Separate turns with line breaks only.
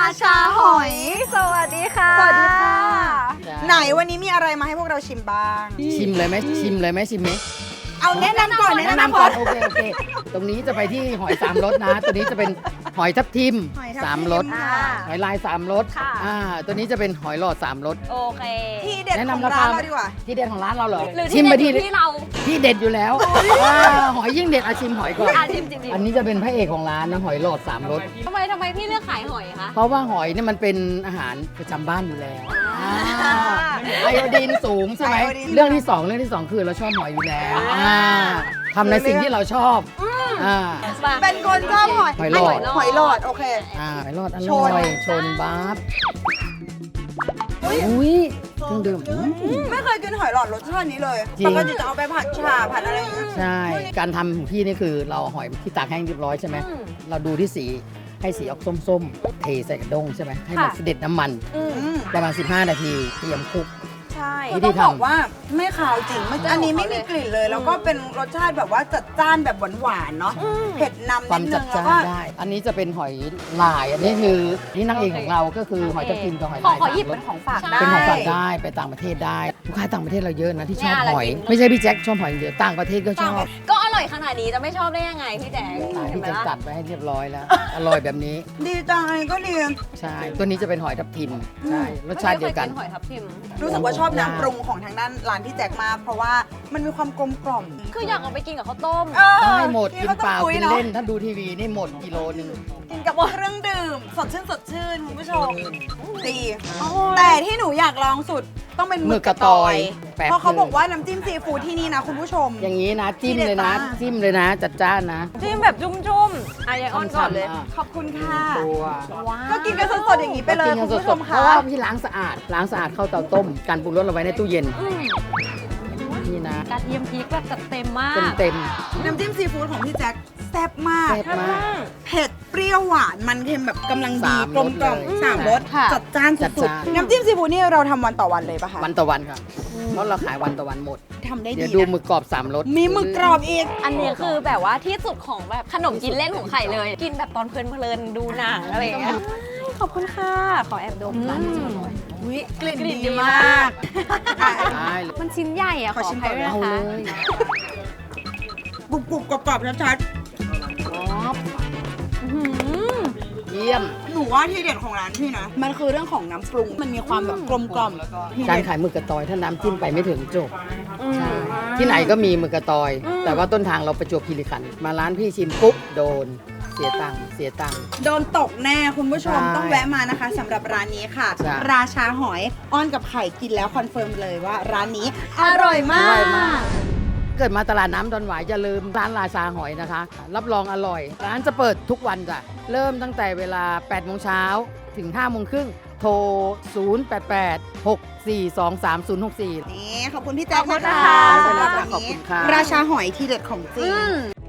ชาหอย สวัสดีค่ะ
สวัสดีค่ะ ไหนวันนี้มีอะไรมาให้พวกเราชิมบ้าง
ชิมเลยไหมชิมเลยไหมชิมไหม
เอาแนะนำก่อน
แนะนำก่อนโอเคตรงนี้จะไปที่หอยสามรสนะ ตัวนี้จะเป็นหอยทับทิม
หอยทับทิม
สามรส
ค่ะ
หอยลายสามรส
ค่ะ
ตัวนี้จะเป็นหอยหลอดสามรส
โอเค
ที่เด็ด
แนะ
ของ
นำรา
ร้า
คาน
เราดีกว่า
ที่เด็ดของร้านเราเหรอ
หรือ
ชิ
ที่
มไป
เด็ด
ที่
อยู่ที่เรา
ที่เด็ดอยู่แล้วหอยยิ่งเด็ดอาชิมหอยก่อน
ชิมจริง
อันนี้จะเป็นพระเอกของร้านนะหอยหลอดสามรส
ๆทำไมพี่เลือกขายหอยคะ
เพราะว่าหอยเนี่ยมันเป็นอาหารประจำบ้านอยู่แล้วไอโอดีนสูงใช่ไหม
ไอโอดีน
เรื่องที่สองคือเราชอบหอยอยู่แล้วทำในสิ่งที่เราชอบอ่า
เป็นคนชอบหอย
หอยหลอด
หอยหลอดโอเค
หอยหลอดอ
ช
ร่
น
อยชนบัฟอุ้ยเครื่องดื่ม
ไม่เคยกินหอยหลอดรสชาตินี้เลย
จริง
ปกติจะเอาไปผัดชาผัดอะไรอย่างเงี้ย
ใช่ การทำของพี่นี่คือเราเอาหอยที่ตากแห้งเรียบร้อยใช่ไหมเราดูที่สีให้สีออกส้มๆ เทใส่กระด้งใช่ไหมให้มัน
ค่ะ
เสด็จน้ำมัน
อืม
ประมาณ 15 นาทีเตรียมคลุก
ใช่
วิ
ต้
ธี
อง
ทำ
บอกว่าไม่ขาวจริงอันนี้ไม่มีกลิ่นเลย แล้วก็เป็นรสชาติแบบว่าจัดจ้านแบบหวานๆเนาะเผ็ดนำ
ควา
นิ
ม
ดนึ
จัด
งแล้ว
จ้าน
ก็
ได้ อันนี้จะเป็นหอยลาย อันนี้คือที่นางเอกของเราก็คือหอยทับทิมกับหอยลาย
ขอหยิบ
สามร
เป็
ส
นของฝากได้
เป็นของฝากได้ไปต่างประเทศได้ลูกค้าต่างประเทศเราเยอะนะที่ชอบ
เนี่ยอะไร
หอย
กิน
ไม่ใช่พี่แจ็คชอบหอยอย่างเดียวต่างประเทศก็ชอบ
ก็อร่อยขนาดนี้จะไม่ชอบได้ยังไงพี่แจ๊ค
พี่แจ็คจัดไปให้เรียบร้อยแล้ว อร่อยแบบนี้
ดีจังก็ดี
ใช่ตัวนี้จะเป็นหอยทับทิมใช่รสชาติเดียวกัน
ไม่คหอยทับทิม
รู้สึกว่าชอบน้ำปรุงของทางด้านร้านพี่แจ็คมาก เพราะว่ามันมีความกลมกล่อม
คืออยากเอาไปกินกับข้าวต้ม
ได้หมดกิน
ข้ว
เป
ต้
ล่าม
กุ้ย
กิน
อะ
เล่นถ้าดูทีวีนี่หมดกิโลนึง
กินกับเครื่องดื่มสดชื่นคุณผู้ชมดีแต่ที่หนูอยากลองสุดต้องเป็นหมึกกระตอยเพราะเขาบอกว่าน้ำจิ้มซีฟู้ดที่นี่นะคุณผู้ชม
อย่างนี้นะจิ้มเลยนะ
ที่เด็ดมาก
จิ้มเลยนะ จัดจ้านนะ
จิ้มแบบจุ่มๆอ่ะยายอ้อนก่อนเลย
อ่ะ
ขอบคุณค่ะ
ตัว
ว้าว
ก็กินกันสดๆอย่างนี้ไปเลย
กิน
คุ
กั
ณ
น
ผู้ช
ส
ม
ดๆเพ
ค่ะ
ราะว่าพี่ล้างสะอาดเข้าเตาต้มการปรุงรสเราไว้ในตู้เย็นนี่นะ
กระเทียมพริกแบบจัดเต็มมาก
เต็ม
น้ำจิ้มซีฟู้ดของพี่แจ็คแซ่บมาก
แซ่บมาก
เผ็ดเปรี้ยวหวานมันเค็มแบบกำลังดี
สาม
กลมกล่อม
รสเลย
สามรส
ค่ะ
จัดจ้าน
จัด
สุด
จ้าน
ๆน้ำจิ้มซีฟู้ดนี่เราทำวันต่อวันเลยปะคะ
วันต่อวันค่ะเพราะเราขายวันต่อวันหมด
ทำได้
เดี๋
ดี
ยวดู
นะ
หมึกกรอบ3รส
มีหมึกกรอบอีก
อันนี้คือแบบว่าที่สุดของแบบขนมกินเล่นของไข่เลย กินแบบตอนเพลินๆดูหนังอะไรอย่างเงี้ยขอบคุณค่ะ ขอแอบดมร้านนี้หน่อย
อุ๊ยกลิ่น
กลิ่น
ดี
ดี
มาม
าก ก
ได้เลย
มันชิ้นใหญ่อะ
ขอชิม
อภัยด้วย
เอา
นะ
เล
คะ
ย
กรุบๆกรอบๆชัด
อื้อหือ
เยี่ยม
ๆหนูว่าที่เด็ดของร้านพี่นะมันคือเรื่องของน้ำปรุงมันมีความแบบกลมกล่อมที่
การ
เด็ด
ขายหมึกกระตอยถ้าน้ำจิ้มไปไม่ถึงจบ
อืม
ใช่ที่ไหนก็มีหมึกกระตอย แต่ว่าต้นทางเราประจวบคีรีขันธ์มาร้านพี่ชิมปุ๊บโดนเสียตังค์
โดนตกแน่คุณผู้ชม
ใช่
ต้องแวะมานะคะสำหรับร้านนี้ค่ะ
ใช่
ราชาหอยอ้อนกับไข่กินแล้วคอนเฟิร์มเลยว่าร้านนี้อร่อยมา
อร่อยมาก
ก
เกิดมาตลาดน้ำดอนหวายอย่าลืมร้านราชาหอยนะคะ รับรองอร่อย ร้านจะเปิดทุกวันจ้ะ เริ่มตั้งแต่เวลา 8 โมงเช้าถึง 5 โมงครึ่ง โทร 088 642 3064
นี่ขอบคุณพี่แจ๊คนะคะ
ขอบคุณค่ะ
สำหรับวัน
ขอบ
นี้
คุณค่ะ
ราชาหอยที่เด็ดของจริ
อื
ง
ม